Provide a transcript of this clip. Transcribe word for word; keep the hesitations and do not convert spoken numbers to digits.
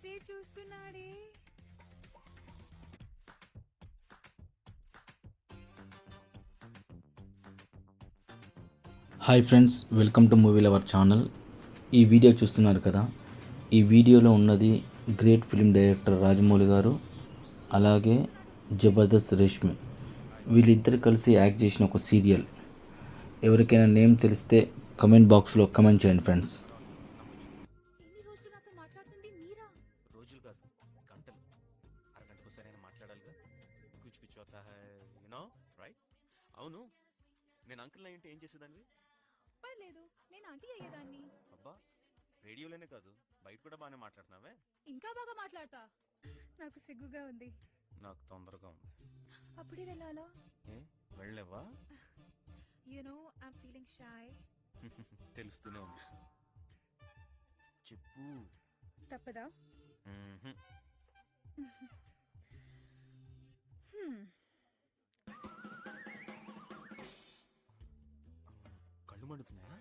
అటే చూస్తున్నాడే. Hi friends, welcome to movie lover channel. ఈ వీడియో చూస్తున్నారు కదా, ఈ వీడియోలో ఉన్నది గ్రేట్ ఫిలిం డైరెక్టర్ రాజమౌళి గారు, అలాగే జబర్దస్త్ రేష్మి. వీళ్ళిద్దరు కలిసి యాక్ట్ చేసిన ఒక సీరియల్. ఎవరికైనా నేమ్ తెలిస్తే కమెంట్ బాక్స్లో కమెంట్ చేయండి ఫ్రెండ్స్. ఎన్ని రోజులు నాతో మాట్లాడుతుంది మీరా? రోజులు కాదు, గంటలు. అరగంటకోసారైనా మాట్లాడాలిగా. కుచ్ కుచ్ హోతా హై, యు నో రైట్? అవును, నేను అంకుల్ అయ్యింటే ఏం చేసేదాన్ని? పర్లేదు, నేను ఆంటీ అయ్యేదాన్ని. అబ్బా, రేడియోలోనే కాదు బయట కూడా బాగానే మాట్లాడుతున్నావే. ఇంకా బాగా మాట్లాడతా. నాకు సిగ్గుగా ఉంది. నాకు తొందరగా ఉంది. అప్పుడే వెళ్ళాలా? ఏ వెళ్ళలేవా? You know I'm feeling shy. తెలుస్తూనే ఉంది. చెప్పు. తప్పదా? మ్మ్హ్మ్. హ్మ్. కళ్ళు మండుతున్నాయా?